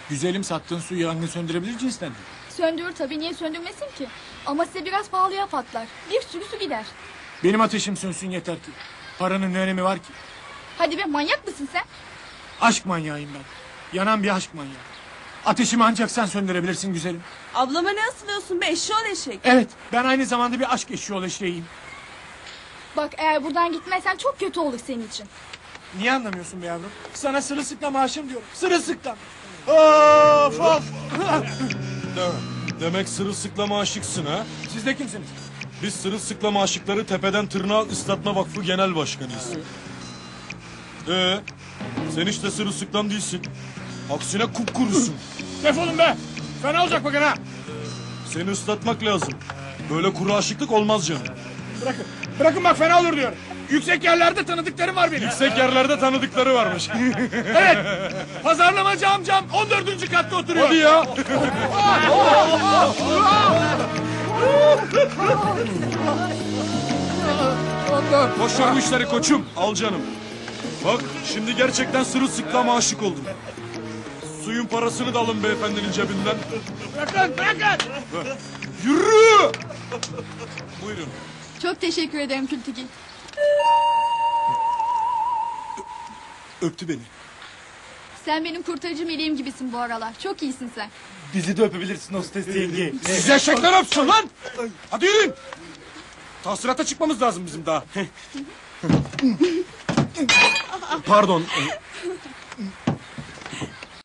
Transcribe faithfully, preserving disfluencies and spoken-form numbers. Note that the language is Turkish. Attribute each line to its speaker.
Speaker 1: Güzelim, sattığın su yangın söndürebilir cinsten.
Speaker 2: Söndürür tabii, niye söndürmesin ki? Ama size biraz pahalıya patlar. Bir sürü su gider.
Speaker 1: Benim ateşim sönsün yeter ki. Paranın ne önemi var ki?
Speaker 2: Hadi be, manyak mısın sen?
Speaker 1: Aşk manyağıyım ben. Yanan bir aşk manyağı. Ateşimi ancak sen söndürebilirsin güzelim.
Speaker 3: Ablama ne asılıyorsun be, eşşoğlu eşek?
Speaker 1: Evet, ben aynı zamanda bir aşk eşiği eşeğiyim.
Speaker 2: Bak, eğer buradan gitmezsen çok kötü olur senin için.
Speaker 1: Niye anlamıyorsun be yavrum? Sana sırılsıklam aşığım diyorum. Sırılsıklam. Of of.
Speaker 4: Demek sırılsıklama aşıksın ha?
Speaker 1: Siz de kimsiniz?
Speaker 4: Biz sırılsıklama aşıkları tepeden tırnağa ıslatma vakfı genel başkanıyız. Ee, sen hiç de sırılsıklam değilsin. Aksine kupkurusun.
Speaker 1: Defolun be. Fena olacak bakın ha.
Speaker 4: Seni ıslatmak lazım. Böyle kuru aşıklık olmaz canım.
Speaker 1: Bırakın. Bırakın bak, fena olur diyorum. Yüksek yerlerde tanıdıklarım var benim.
Speaker 4: Yüksek yerlerde tanıdıkları varmış.
Speaker 1: Evet. Pazarlamacı amcam on dördüncü katta oturuyor.
Speaker 4: Hadi ya. Boş ver bu işleri koçum. Al canım. Bak şimdi gerçekten sırılsıklama aşık oldum. Suyun parasını da alın beyefendinin cebinden.
Speaker 1: Bırakın, bırakın.
Speaker 4: Yürü! Buyurun.
Speaker 2: Çok teşekkür ederim Kültigil.
Speaker 4: Öptü beni.
Speaker 2: Sen benim kurtarıcı meleğim gibisin bu aralar. Çok iyisin sen.
Speaker 5: Bizi de öpebilirsin hostes yenge.
Speaker 4: Siz eşekler öpsün lan! Hadi yürüyün! Tahsirata çıkmamız lazım bizim daha. Pardon.